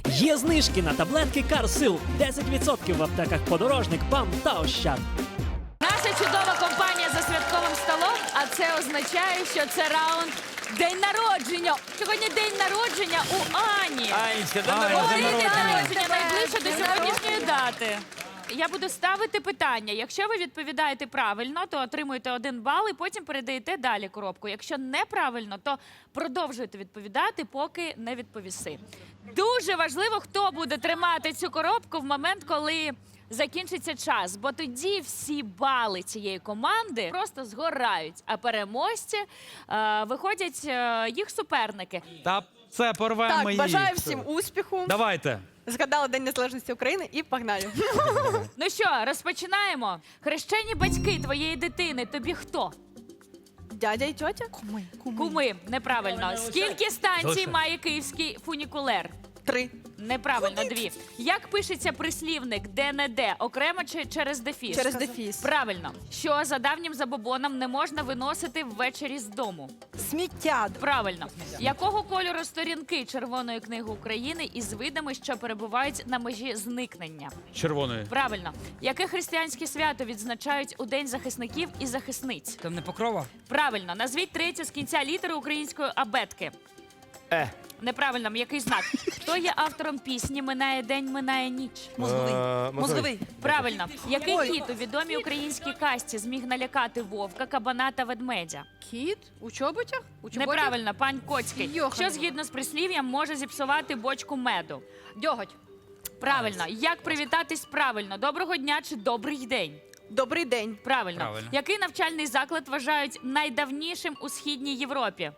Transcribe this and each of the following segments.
Є знижки на таблетки Карсил. 10% в аптеках Подорожник, ПАМ та Ощад. Наша чудова компанія за святковим столом, а це означає, що це раунд день народження. Сьогодні день народження у Ані. Анечка, день Ой, народження. день народження найближче до сьогоднішньої дати. Я буду ставити питання. Якщо ви відповідаєте правильно, то отримуєте 1 бал і потім передаєте далі коробку. Якщо неправильно, то продовжуєте відповідати, поки не відповіси. Дуже важливо, хто буде тримати цю коробку в момент, коли закінчиться час, бо тоді всі бали цієї команди просто згорають, а переможці виходять їх суперники. Та це порвемо Так, їх. бажаю всім успіху. Давайте. Згадали День Незалежності України і погнали. Ну що, розпочинаємо. Хрещені батьки твоєї дитини тобі хто? Дядя і тьотя? Куми. Неправильно. Скільки станцій Залишай. має київський фунікулер? 3. Неправильно, 2. Як пишеться прислівник де-не-де? Окремо чи через дефіс? Через дефіс. Правильно. Що за давнім забобоном не можна виносити ввечері з дому? Сміття. Правильно. Якого кольору сторінки Червоної книги України із видами, що перебувають на межі зникнення? Червоної. Правильно. Яке християнське свято відзначають у День захисників і захисниць? Там не покрова? Правильно. Назвіть третю з кінця літери української абетки. Неправильно. Який знак? Хто є автором пісні «Минає день, минає ніч»? Мозговий. Правильно. Який кіт у відомій українській касті зміг налякати вовка, кабана та ведмедя? Кіт? У чоботях? У чоботях? Неправильно, пань Коцький. Йоханий. Що згідно з прислів'ям може зіпсувати бочку меду? Дьоготь. Правильно. Як привітатись правильно? Доброго дня чи добрий день? Добрий день. Правильно. Правильно. Який навчальний заклад вважають найдавнішим у Східній Європі?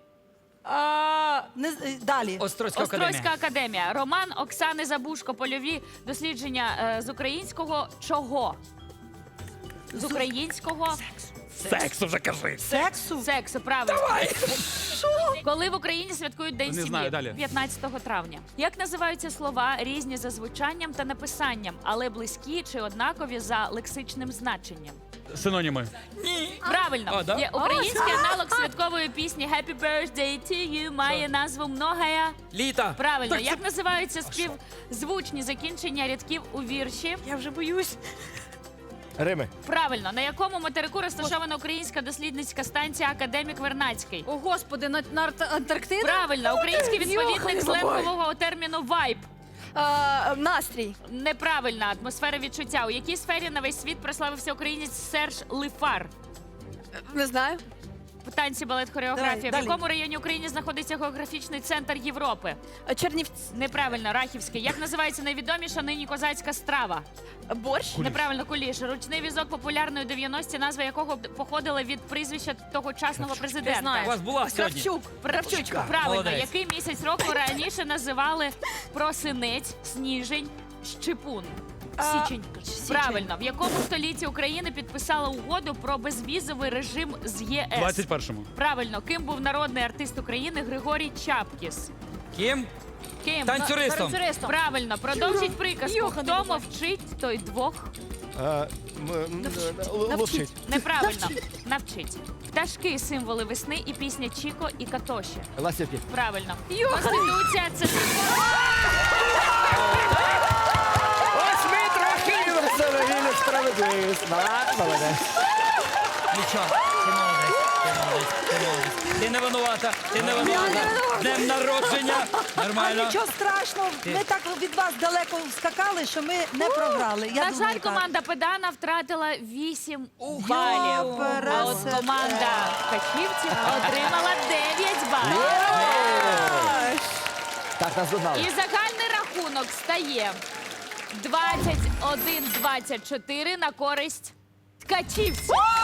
Далі. Острозька Острозька академія. академія. Роман Оксани Забушко. Польові дослідження з українського чого? З українського Секс вже кажи. Сексу. сексу. Правильно. Коли в Україні святкують День Не сім'ї? знаю, далі. 15 травня. Як називаються слова, різні за звучанням та написанням, але близькі чи однакові за лексичним значенням? Синоніми. Правильно. А, да? Є український аналог святкової пісні «Happy birthday to you» має назву «Многая». Літа. Правильно. Як називаються співзвучні закінчення рядків у вірші? Я вже боюсь. Рими. Правильно. На якому материку розташована українська дослідницька станція «Академік Вернадський»? О, Господи, на Антарктида? Правильно. Український відповідник Йоханий сленгового терміну «вайб». Настрій. Неправильна. Атмосфера відчуття. У якій сфері на весь світ прославився українець Серж Лифар? Не знаю. Танці, балет, хореографія. Далі. В якому районі України знаходиться географічний центр Європи? Чернівці. Неправильно. Рахівський. Як називається найвідоміша нині козацька страва? Борщ. Неправильно. Куліш. Ручний візок популярної у 90-ті, назва якого походила від прізвища тогочасного президента. У вас була сьогодні. Кравчук. Правильно. Молодець. Який місяць року раніше називали просинець, сніжень, щепун? Січень. Правильно. В якому столітті України підписала угоду про безвізовий режим з ЄС? 21-му. Правильно. Ким був народний артист України Григорій Чапкіс? Ким? Ким? Танцюристом. Правильно. Продовжіть приказку. Хто мовчить, той двох. Ловчить. Неправильно. Навчить. Пташки – символи весни і пісня Чіко і Катоші. Ластівки. Правильно. Конституція – це Ось ми трохи веселі справедливість. Молодець. Нічого. Ти молодець. Ти молодець. Ти молодець. Ти не винувата. Ти не винувата. Днем народження. А Нормально. нічого страшного, ми так від вас далеко скакали, що ми не програли. Я На думаю, жаль, так. команда Педана втратила 8 балів. А от команда Качівців отримала 9 балів. Так, нас догнали. І загальний рахунок стає 21-24 на користь Ткачівців.